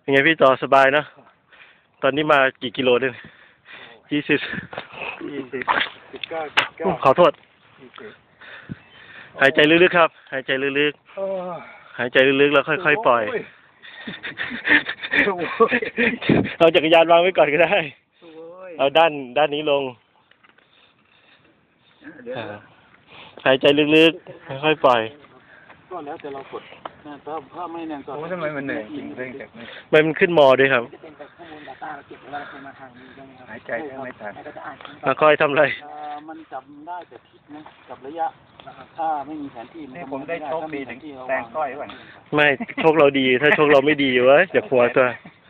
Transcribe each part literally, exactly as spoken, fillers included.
เป็นไงพี่ต่อสบายนะตอนนี้มากี่กิโลเนี่ยยี่สิบยี่สิบสิบเก้าสิบเก้าขอโทษหายใจลึกๆครับหายใจลึกๆหายใจลึกๆแล้วค่อยๆปล่อยเอาจักรยานวางไว้ก่อนก็ได้เอาด้านด้านนี้ลงหายใจลึกๆค่อยๆปล่อยก็แล้วแต่เรากดนะถ้าถ้าไม่แน่นก็โอ้ทำไมมันเหนื่อยจริงเร่งจากนี้มันขึ้นมอด้วยครับหายใจไม่ทันแล้วค่อยทำอะไรมันจำได้แต่ทิศนะกับระยะถ้าไม่มีแผนที่นี่ผมได้โชคดีถึงแตงก้อยก่อนไม่โชคเราดีถ้าโชคเราไม่ดีเว้ยอย่าหัวตัว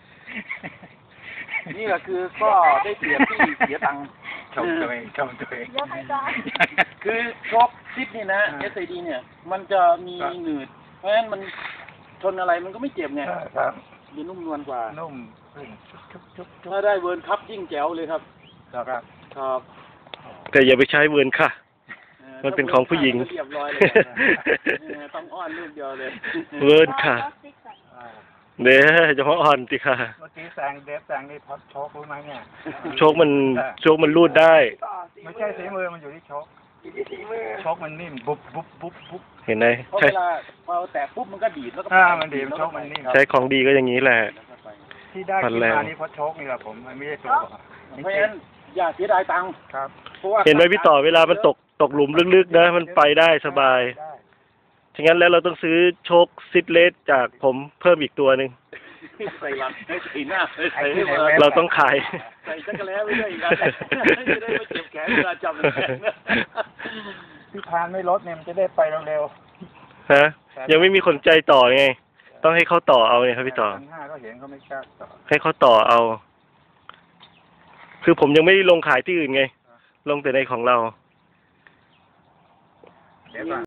นี่ก็คือก็ได้เสียที่เสียตังค์ชมตัวเองชมตัวเองคือโชคทิศนี่นะ เอส ไอ ดี เนี่ยมันจะมีหนืดเพราะฉะนั้นมันชนอะไรมันก็ไม่เจ็บไงครับมันนุ่มนวลกว่านุ่มถ้าได้เวิร์นคัพยิ่งแจ๋วเลยครับครับครับแต่อย่าไปใช้เวิร์นค่ะมันเป็นของผู้หญิงเรียบร้อยเลยต้องอ้อนลูกเดียวเลยเวิร์นค่ะเด้อจะมาอ่อนสิค่ะเมื่อกี้แซงเดฟแซงนี่พัดโชครู้ไหมเนี่ยโชคมันโชคมันรูดได้ไม่ใช่สีมือมันอยู่ที่โชคโชคมันนิ่มบุ๊บบุ๊บบุ๊บบุ๊บเห็นไหมใช่เวลาพอแตะปุ๊บมันก็ดีดแล้วก็อ่ามันดีมันโชคมันนิ่มใช้ของดีก็อย่างนี้แหละที่ได้ขึ้นมานี่เพราะโชคนี่แหละผมมันไม่ได้ตัวเพราะฉะนั้นอย่าเสียดายตังค์ครับเห็นไหมพี่ต่อเวลามันตกตกหลุมลึกๆนะมันไปได้สบายฉะนั้นแล้วเราต้องซื้อโชคซิดเลสจากผมเพิ่มอีกตัวหนึ่งใส่หลังใส่หน้าใส่เราต้องขายใส่จักรแล้วไม่ได้อีกแล้วจะได้ไม่เจ็บแขนเวลาจับแขนที่ทานไม่ลดเนี่ยมันจะได้ไปเร็วๆฮะยังไม่มีคนใจต่อไงต้องให้เขาต่อเอาเนี่ยครับพี่ต่อห้าก็เห็นเขาไม่กล้าต่อให้เขาต่อเอาคือผมยังไม่ได้ลงขายที่อื่นไงลงแต่ในของเรา